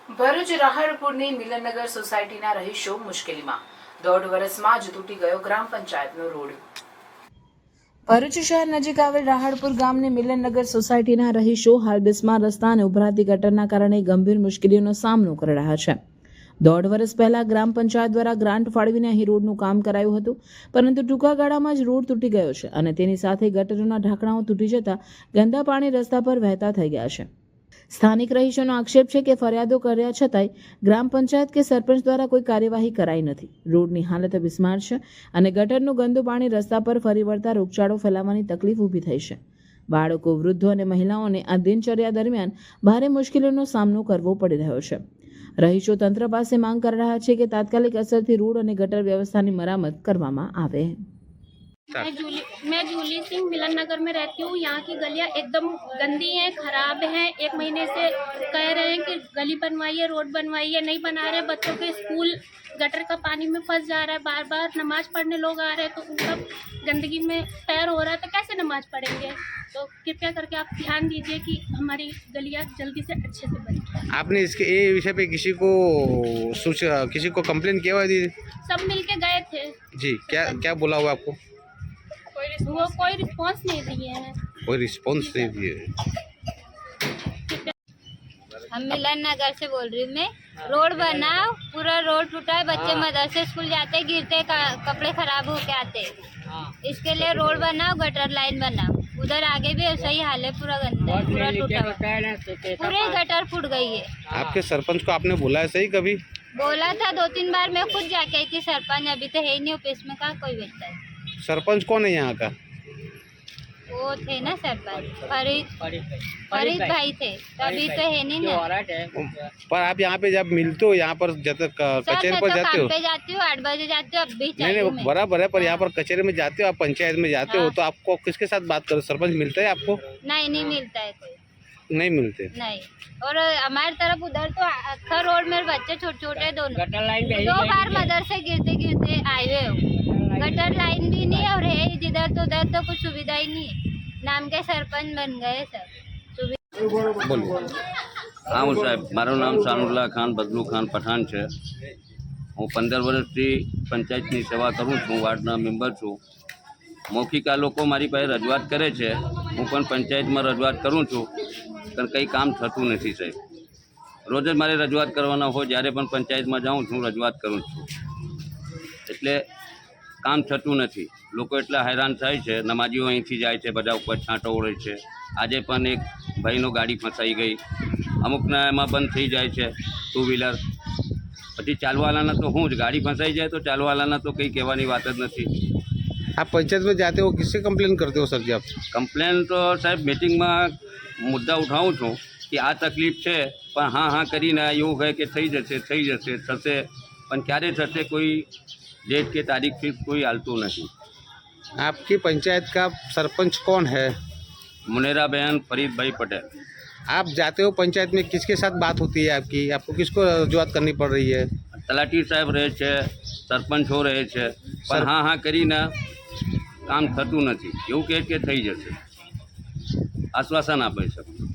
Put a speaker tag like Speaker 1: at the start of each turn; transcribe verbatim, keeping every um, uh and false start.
Speaker 1: ભરૂચ રાહડપુરની મિલનનગર સોસાયટીના રહીશો મુશ્કેલીમાં દોઢ વર્ષમાં જ તૂટી ગયો ગ્રામ પંચાયતનો રોડ। ભરૂચ શહેર નજીક આવેલ રાહડપુર ગામની મિલનનગર સોસાયટીના રહીશો હાલ બિસ્માર રસ્તા અને ઉભરાતી ગટરના કારણે ગંભીર મુશ્કેલીઓનો સામનો કરી રહ્યા છે। દોઢ વર્ષ પહેલા ગ્રામ પંચાયત દ્વારા ગ્રાન્ટ ફાળવીને અહીં રોડનું કામ કરાયું હતું, પરંતુ ટૂંકા ગાળામાં જ રોડ તૂટી ગયો છે અને તેની સાથે ગટરોના ઢાંકણાઓ તૂટી જતા ગંદા પાણી રસ્તા પર વહેતા થઈ ગયા છે। સ્થાનિક રહીશોનો આક્ષેપ છે કે ફરિયાદો કર્યા છતાંય ગ્રામ પંચાયત કે સરપંચ દ્વારા કોઈ કાર્યવાહી કરાઈ નથી। રોડની હાલત બિસ્માર છે અને ગટરનું ગંદુ પાણી રસ્તા પર ફરી વળતા રોગચાળો ફેલાવાની તકલીફ ઊભી થઈ છે। બાળકો, વૃદ્ધો અને મહિલાઓને આ દિનચર્યા દરમિયાન ભારે મુશ્કેલીઓનો સામનો કરવો પડી રહ્યો છે। રહીશો તંત્ર પાસે માંગ કરી રહ્યા છે કે તાત્કાલિક અસરથી રોડ અને ગટર વ્યवस्थाની મરામત કરવામાં આવે।
Speaker 2: मैं जूली मैं जूली सिंह मिलन नगर में रहती हूँ। यहाँ की गलियाँ एकदम गंदी हैं, खराब हैं। एक महीने से कह रहे हैं कि गली बनवाइए, रोड बनवाइए, नहीं बना रहे। बच्चों के स्कूल गटर का पानी में फंस जा रहा है। बार बार नमाज पढ़ने लोग आ रहे हैं तो उनका गंदगी में पैर हो रहा है, तो कैसे नमाज पढ़ेंगे। तो कृपया करके आप ध्यान दीजिए कि हमारी गलियाँ जल्दी से अच्छे से बने।
Speaker 3: आपने इसके ये विषय पे किसी को सूचना किसी को कंप्लेन किया हुआ दीदी?
Speaker 2: सब मिल के गए थे
Speaker 3: जी, क्या क्या बोला हुआ आपको?
Speaker 2: वो कोई रिस्पॉन्स नहीं दिए हैं।
Speaker 3: कोई रिस्पॉन्स नहीं दिए।
Speaker 4: हम मिलन नगर से बोल रही हूँ मैं। रोड बनाओ, पूरा रोड टूटा है, बच्चे मदरसे स्कूल जाते गिरते, कपड़े खराब होके आते। इसके लिए रोड बनाओ, गटर लाइन बनाओ। उधर आगे भी ऐसा ही हाल है, पूरा गंदा है, पूरा टूटा हुआ, पूरे गटर फूट गई है।
Speaker 3: आपके सरपंच को आपने बोला है सही कभी?
Speaker 4: बोला था दो तीन बार, मैं खुद जाके आई थी सरपंच, अभी तो है ही नहीं ऑफिस में, कहाँ कोई बैठता है।
Speaker 3: सरपंच कौन है यहाँ का?
Speaker 4: वो थे ना सरपंच फरीद फरीद भाई थे, तभी तो है नहीं ना।
Speaker 3: पर आप यहाँ पे जब मिलते हो, यहाँ पर जब कचहरी पर
Speaker 4: तो
Speaker 3: जाते हो?
Speaker 4: काम पे जाती हूँ, आठ बजे जाती हूँ, अब भी
Speaker 3: नहीं
Speaker 4: चाहिए
Speaker 3: नहीं बराबर है, पर यहाँ पर कचहरी में जाते हो, आप पंचायत में जाते हो, तो आपको किसके साथ बात करो? सरपंच मिलता है आपको?
Speaker 4: नहीं नहीं मिलता है कोई,
Speaker 3: नहीं मिलते।
Speaker 4: नहीं। और हमारी तरफ उधर तो अक्खर रोड में बच्चे छोटे छोटे दोनों दो बार मदरसे गिरते गिरते आए हुए हो। गटर लाइन भी नहीं और है जिधर तो उधर तो कुछ सुविधा ही नहीं है। नाम के सरपंच बन गए सब।
Speaker 5: हाँ साहेब, मारू नाम सानुल्ला खान बदलू खान पठान है। हूँ पंदर वर्षथी पंचायतनी सेवा करूँ छूँ, वार्डना मेम्बर छूँ। मौखिक आ लोग मारी पासे रजूआत करे छे, हूँ पण पंचायत में रजूआत करूँ छूँ, पण कई काम थतुं नथी साहेब। रोज ज मारे रजूआत करवाना हो, ज्यारे पण पंचायत में जाऊँ छूँ रजूआत करूँ छूँ, एटले काम थतुं नथी। लोको एटला हैरान थाय छे। नमाजीओ અહીંથી જાય છે, બધા ઉપર છાંટો ઓળે છે। આજે પણ એક ભાઈનો ગાડી ફસાઈ ગઈ, અમુકના એમાં બંધ થઈ જાય છે ટુ વ્હીલર, પછી ચાલવાલાના તો હું જ ગાડી ફસાઈ જાય તો ચાલવાલાના તો કંઈ કહેવાની વાત જ નથી।
Speaker 3: आप पंचायत में जाते हो, किससे कंप्लेन करते हो सर जी आप?
Speaker 5: કમ્પ્લેન તો સાહેબ મિટિંગમાં મુદ્દા ઉઠાવું છું કે આ તકલીફ છે, પણ હા હા કરીને એવું કહે કે થઈ જશે થઈ જશે થશે, પણ ક્યારે થશે કોઈ डेट के तारीख फिक्स कोई हालतू नहीं।
Speaker 3: आपकी पंचायत का सरपंच कौन है?
Speaker 5: मुनेरा बहन फरीद भाई पटेल।
Speaker 3: आप जाते हो पंचायत में, किसके साथ बात होती है आपकी? आपको किसको रजूआत करनी पड़ रही है?
Speaker 5: तलाटी साहब रहे छे, सरपंच हो रहे छे, पर हाँ हाँ करीने काम थतुं नथी। एवुं कहे के थई जशे, आश्वासन आपे छे।